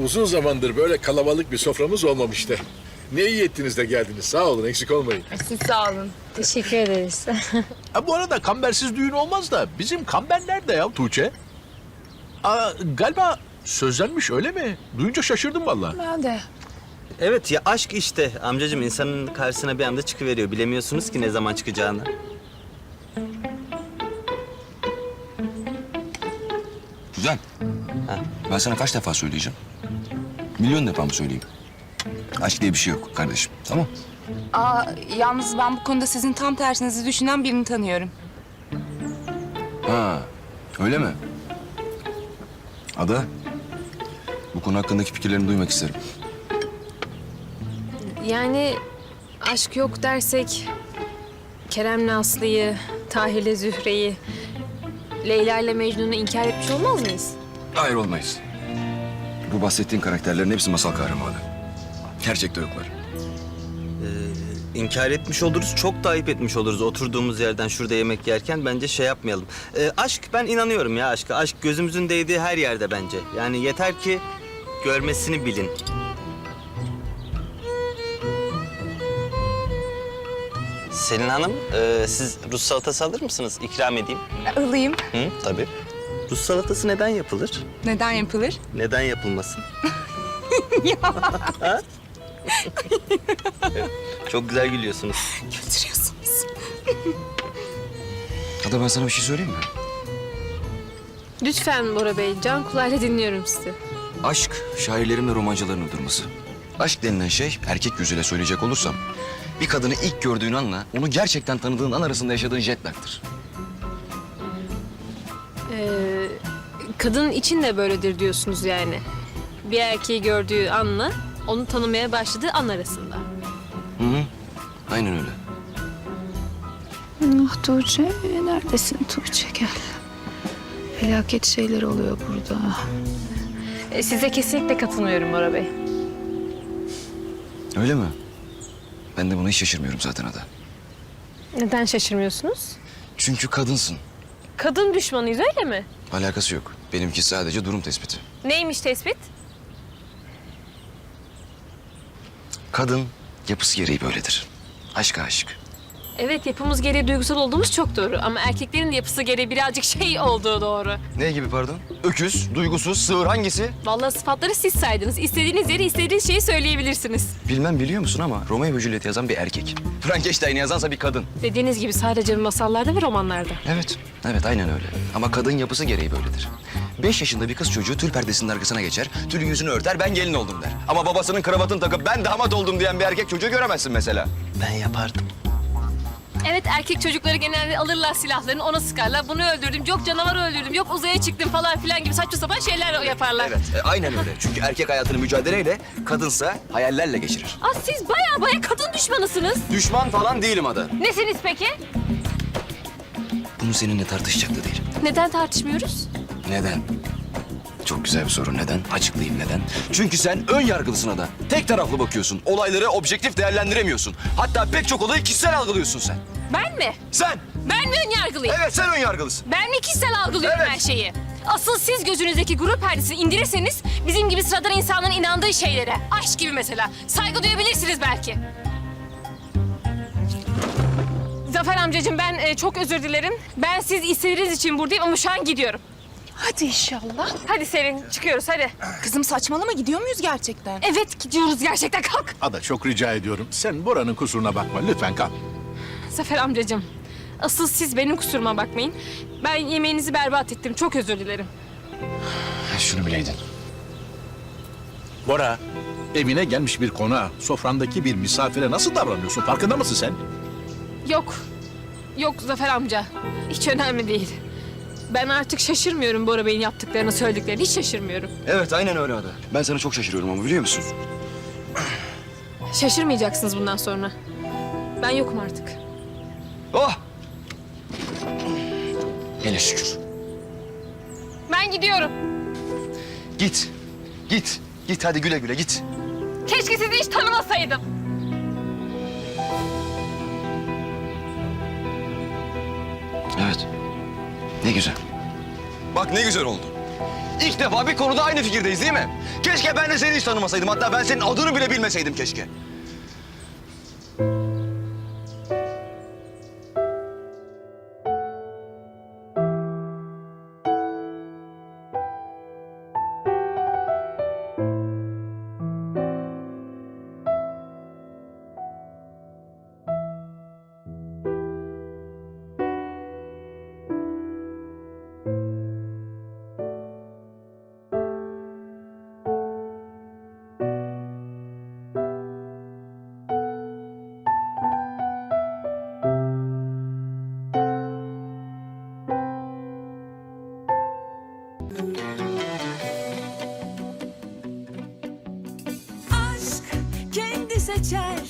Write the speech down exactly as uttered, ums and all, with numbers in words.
uzun zamandır böyle kalabalık bir soframız olmamıştı. Ne iyi ettiniz de geldiniz. Sağ olun, eksik olmayın. Siz sağ olun. Teşekkür ederiz. Ha, bu arada kambersiz düğün olmaz da bizim kamber nerede ya Tuğçe? Aa, galiba sözlenmiş öyle mi? Duyunca şaşırdım vallahi. Ben de. Evet ya, aşk işte amcacığım, insanın karşısına bir anda çıkıveriyor. Bilemiyorsunuz ki ne zaman çıkacağını. Güzel. Ha. Ben sana kaç defa söyleyeceğim? Milyon defa mı söyleyeyim? Aşk diye bir şey yok kardeşim, tamam? Aa, yalnız ben bu konuda sizin tam tersinizi düşünen birini tanıyorum. Ha, öyle mi? Ada, bu konu hakkındaki fikirlerini duymak isterim. Yani aşk yok dersek Kerem'le Aslı'yı, Tahir'le Zühre'yi, Leyla ile Mecnun'u inkar etmiş olmaz mıyız? Hayır, olmayız. Bu bahsettiğin karakterlerin hepsi masal kahramanı. Gerçekte yoklar. İnkar etmiş oluruz, çok da ayıp etmiş oluruz oturduğumuz yerden şurada yemek yerken. Bence şey yapmayalım. Ee, aşk, ben inanıyorum ya aşka. Aşk gözümüzün değdiği her yerde bence. Yani yeter ki görmesini bilin. Selin Hanım, e, siz Rus salatası alır mısınız? İkram edeyim. Alayım. Hı, tabii. Rus salatası neden yapılır? Neden yapılır? Neden yapılmasın? Ha? Çok güzel gülüyorsunuz. Götürüyorsunuz. Ada, ben sana bir şey söyleyeyim mi? Lütfen Bora Bey, can kulağıyla dinliyorum sizi. Aşk, şairlerin ve romancıların uydurması. Aşk denilen şey, erkek gözüyle söyleyecek olursam... ...bir kadını ilk gördüğün anla, onu gerçekten tanıdığın an arasında yaşadığın jet lag'tır. Ee, kadının için de böyledir diyorsunuz yani. Bir erkeği gördüğü anla onu tanımaya başladığı an arasında. Hı hı, aynen öyle. Ah Tuğçe, neredesin Tuğçe? Gel. Felaket şeyler oluyor burada. Ee, size kesinlikle katılmıyorum Bora Bey. Öyle mi? Ben de buna hiç şaşırmıyorum zaten Ada. Neden şaşırmıyorsunuz? Çünkü kadınsın. Kadın düşmanıyız öyle mi? Alakası yok. Benimki sadece durum tespiti. Neymiş tespit? Kadın yapısı gereği böyledir. Aşk aşık. Evet, yapımız gereği duygusal olduğumuz çok doğru. Ama erkeklerin de yapısı gereği birazcık şey olduğu doğru. Ne gibi pardon? Öküz, duygusuz, sığır hangisi? Vallahi sıfatları siz saydınız. İstediğiniz yeri, istediğiniz şeyi söyleyebilirsiniz. Bilmem biliyor musun ama Romeo ve Juliet'i yazan bir erkek. Frankenstein'i yazansa bir kadın. Dediğiniz gibi sadece masallarda ve romanlarda. Evet, evet aynen öyle. Ama kadın yapısı gereği böyledir. Beş yaşında bir kız çocuğu tül perdesinin arkasına geçer, tül yüzünü örter, ben gelin oldum der. Ama babasının kravatını takıp ben damat oldum diyen bir erkek çocuğu göremezsin mesela. Ben yapardım. Evet, erkek çocukları genelde alırlar silahlarını, ona sıkarlar. Bunu öldürdüm, yok canavarı öldürdüm, yok uzaya çıktım falan filan gibi saçma sapan şeyler yaparlar. Evet, e, aynen öyle. Çünkü erkek hayatını mücadeleyle, kadınsa hayallerle geçirir. Aa, siz baya baya kadın düşmanısınız. Düşman falan değilim Ada. Nesiniz peki? Bunu seninle tartışacak da değilim. Neden tartışmıyoruz? Neden? Çok güzel bir soru. Neden? Açıklayayım neden. Çünkü sen ön yargılısın Ada. Tek taraflı bakıyorsun. Olayları objektif değerlendiremiyorsun. Hatta pek çok olayı kişisel algılıyorsun sen. Ben mi? Sen! Ben mi ön yargılıyım? Evet, sen ön yargılısın. Ben mi kişisel algılıyorum Evet. her şeyi? Asıl siz gözünüzdeki grup perdesini indirirseniz bizim gibi sıradan insanların inandığı şeylere, aşk gibi mesela, saygı duyabilirsiniz belki. Zafer amcacığım, ben e, çok özür dilerim. Ben siz istediğiniz için buradayım ama şu an gidiyorum. Hadi inşallah. Hadi Selin, çıkıyoruz hadi. Kızım saçmalama, gidiyor muyuz gerçekten? Evet, gidiyoruz gerçekten, kalk. Ada, çok rica ediyorum. Sen Bora'nın kusuruna bakma. Lütfen kal. Zafer amcacığım, asıl siz benim kusuruma bakmayın. Ben yemeğinizi berbat ettim, çok özür dilerim. Şunu bileydin. Bora, evine gelmiş bir konağa, sofrandaki bir misafire nasıl davranıyorsun? Farkında mısın sen? Yok, yok Zafer amca. Hiç önemli değil. Ben artık şaşırmıyorum Bora Bey'in yaptıklarını, söylediklerini. Hiç şaşırmıyorum. Evet, aynen öyle Ada. Ben sana çok şaşırıyorum ama biliyor musun? Şaşırmayacaksınız bundan sonra. Ben yokum artık. Oh! Hele şükür. Ben gidiyorum. Git, git, git. Hadi güle güle git. Keşke sizi hiç tanımasaydım. Evet. Ne güzel. Bak ne güzel oldu. İlk defa bir konuda aynı fikirdeyiz değil mi? Keşke ben de seni hiç tanımasaydım. Hatta ben senin adını bile bilmeseydim keşke. aşk kendi seçer